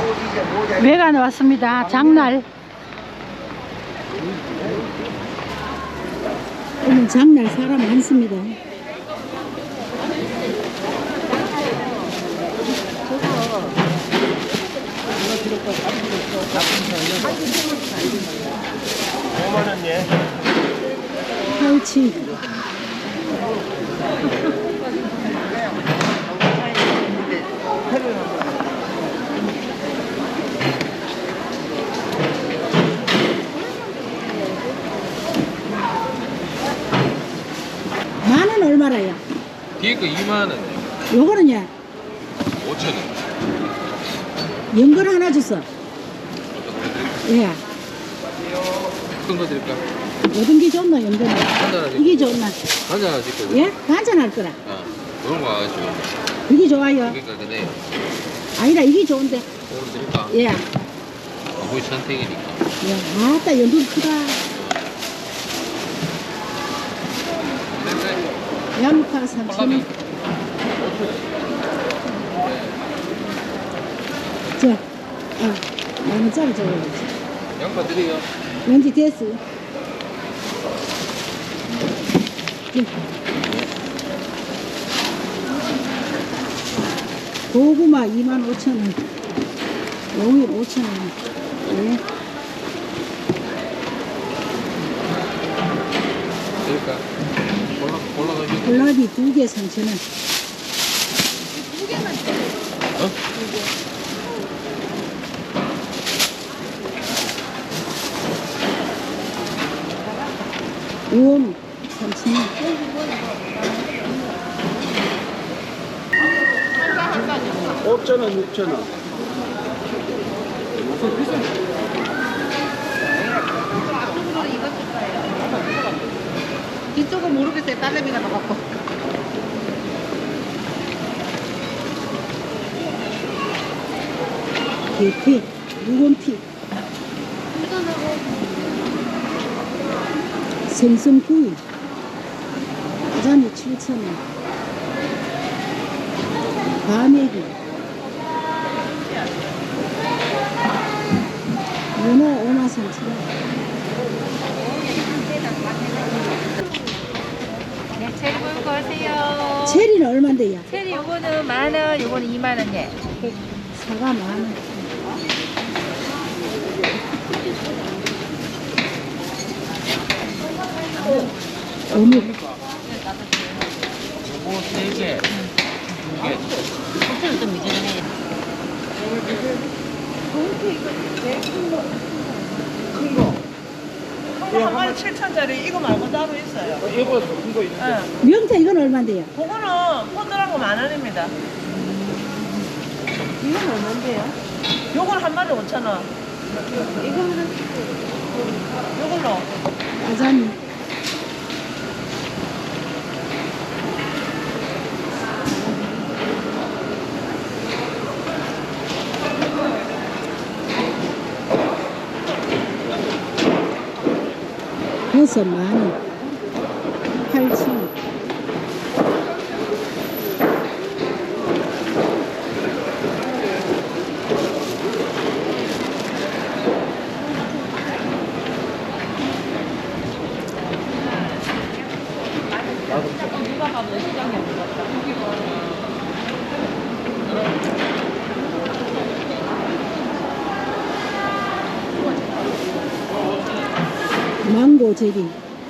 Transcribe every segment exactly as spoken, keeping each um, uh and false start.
외관 왔습니다. 장날. 오늘 장날 사람 많습니다. 오만 원 예. 팔치. 만원 얼마라요? 뒤에 거 이만 원, 요거는요? 오천 원. 연근 하나 줬어. 예. 어떤 거 드릴까? 어떤 게 좋나, 연근? 한잔하지. 이게 좋나? 한잔 하실 거죠? 예? 한잔할 거라. 어, 그런 거 아시죠? 이게 좋아요. 그러니까 근데 아니라 이게 좋은데. 오늘 드릴까? 예. 아버지 선택이니까. 야, 아따, 연근 크다. 양파 삼천 원. 저, 아, 만 원짜리 줘야지. 양파 드려요. 왠지 됐어. 예. 고구마 이만 오천 원. 용일 오천 원. 예. 드릴까? 골라, 골라가지고. 콜라비 두 개 삼천 원. 어? 우엉 삼천 원. 오천 원, 육천 원. 이쪽은 모르겠어요. 딸내미가 나갔고. 계피, 묵은피, 생선구이, 가자미 칠천 원, 과메기, 문어 오만 삼천 원. 네, 체리 보이고 하세요. 체리는 얼마인데요? 체리 요거는 만 원, 요거는 이만 원 예. 사과 만 원. 어묵. 요거 세 개. 두 개. 호텔은 좀 미지근해. 한 마리 칠천짜리 이거 말고 따로 있어요. 이거 큰거 있어. 예. 명태 이건 얼마인데요? 그거는 포들한 거 만 원입니다. 이건 얼마인데요? 요건 한 마리 오천 원. 이거는 요걸로. 가자미. 버섯 만 원. 팔천 원. 망고 제리,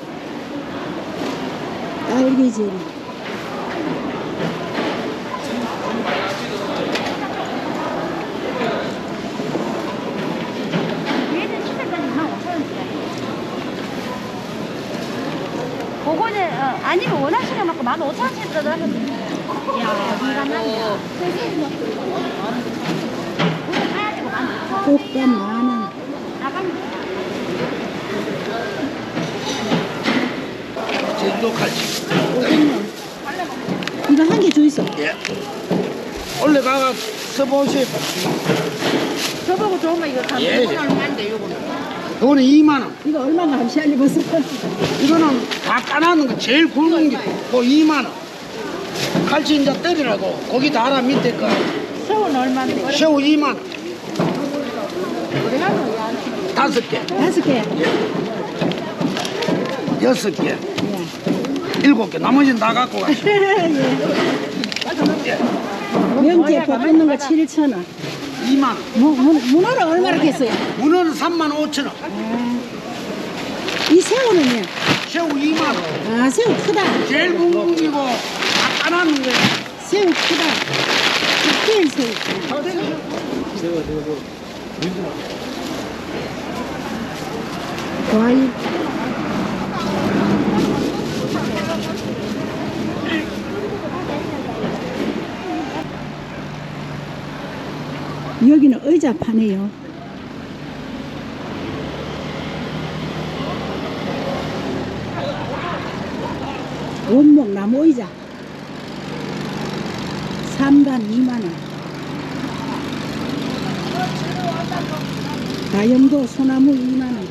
딸기 제리, 그거는 어, 아니면 원하시는 만큼 만 오천 원씩 들어가면 야, 인간하냐. 꽃감 만 원. 제주도 갈치. 오백만. 이거 한 개 줘 있어. 예. 원래 가가 써보시. 저보고 좋은 거 이거 다 예. 요거는 얼마인데 요거는? 그거는 이만 원. 이거 얼마가 함시 알려봤어. 이거는 다 까놨는 거 제일 굵은 게 그거 이만 원. 갈치 이제 때리라고 고기 달아 밑에 거 새우는 얼마인데? 새우 이만 원. 다섯 개, 다섯 개. 여섯 개, 예. 일곱 개. 나머지는 다 갖고 가시. 예. 명태 볶는 거 칠천 원. 이만 원. 무, 무, 문어는 얼마나 겠어요? 문어는 삼만 오천 원. 이 새우는요? 새우 이만 원. 아, 새우 크다. 제일 굵은 기고 까나는 게 새우 크다. 특별 새우. 과일. 여기는 의자 파네요. 원목 나무 의자. 삼 단 이만 원. 다용도 소나무 이만 원.